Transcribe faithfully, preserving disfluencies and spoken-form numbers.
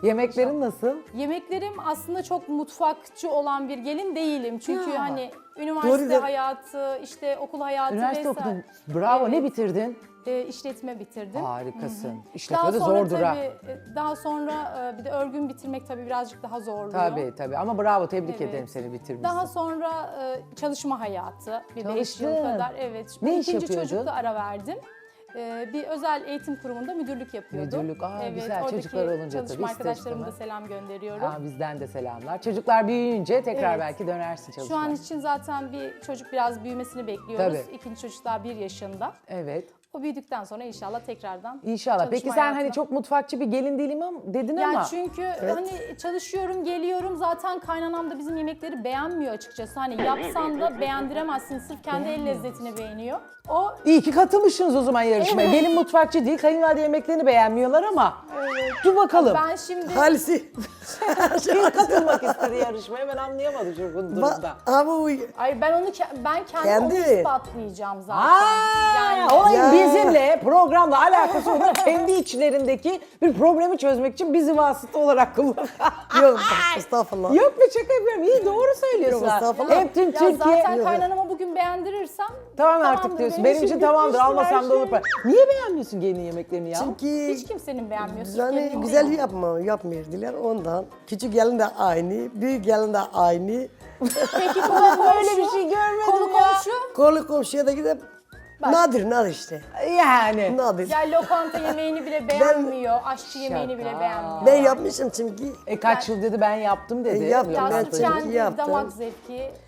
Yemeklerin nasıl? Yemeklerim aslında çok mutfakçı olan bir gelin değilim. Çünkü Ya. hani üniversite Doğru. hayatı, işte okul hayatı Üniversite vesaire. okudun. Bravo, ne Evet. bitirdin? E, işletme bitirdim. Harikasın. Daha İşletme de sonra zordur ha. tabii, e, daha sonra e, bir de örgün bitirmek tabii birazcık daha zorluyor. Tabii tabii ama bravo, tebrik Evet. ederim seni bitirmişsin. Daha sonra e, çalışma hayatı, bir beş yıl Çalıştın. kadar. Evet. Ne Ben iş ikinci yapıyordun? çocukta ara verdim. E, bir özel eğitim kurumunda müdürlük yapıyordum. Müdürlük, aa, evet, güzel. oradaki Çocuklar olunca tabii çalışma ister arkadaşlarıma da istemez. selam gönderiyorum. Aa, bizden de selamlar. Çocuklar büyüyünce tekrar Evet. belki dönersin Şu çalışmaya. an için zaten bir çocuk biraz büyümesini bekliyoruz. Tabii. İkinci çocuk daha bir yaşında. Evet. O büyüdükten sonra inşallah tekrardan İnşallah. çalışma Peki sen hani hayatına. çok mutfakçı bir gelin değilim ama dedin Yani ama. çünkü hani çalışıyorum, geliyorum. Zaten kaynanam da bizim yemekleri beğenmiyor açıkçası. Hani yapsan da beğendiremezsin. Sırf kendi el lezzetini beğeniyor. O İyi ki katılmışsınız o zaman yarışmaya. Evet. Gelin mutfakçı değil, kayınvalide yemeklerini beğenmiyorlar ama. Dur bakalım. ben şimdi Halisi. Kim katılmak ister yarışmaya, ben anlayamadım şu bu durumda. Ba- Ama bu ay ben onu ke- ben kendim Kendi. onu ispatlayacağım zaten. Aa, yani olayın Ya. bizimle programla alakası yok. Kendi içlerindeki bir problemi çözmek için bizi vasıta olarak kullan. yok estağfurullah. Yok be, şaka yapıyorum. İyi, doğru söylüyorsun. Yok, ha. estağfurullah. Hep tüm ya Türkiye. zaten kaynanama bugün beğendirirsem Tamam artık tamamdır, diyorsun. benim Benim için için tamamdır. bitmiştir her Almasam da olur. şey. Niye beğenmiyorsun gelin yemeklerini ya? Çünkü Hiç kimsenin beğenmiyorsun. yani Kendin güzel beğen. yapma, yapmıyordular ondan. Küçük gelin de aynı, büyük gelin de aynı. Peki konu komşu. Böyle bir şey görmedim Konu ya. komşu. Kolu komşuya da gidip nadir nadir işte. Yani. Nadir. Ya lokanta yemeğini bile beğenmiyor. Aşçı yemeğini bile Şaka. beğenmiyor. Ben yapmışım çünkü. E kaç yıl dedi ben yaptım dedi. E, yaptım, Ya ben sırf çünkü kendi yaptım. damak zevki.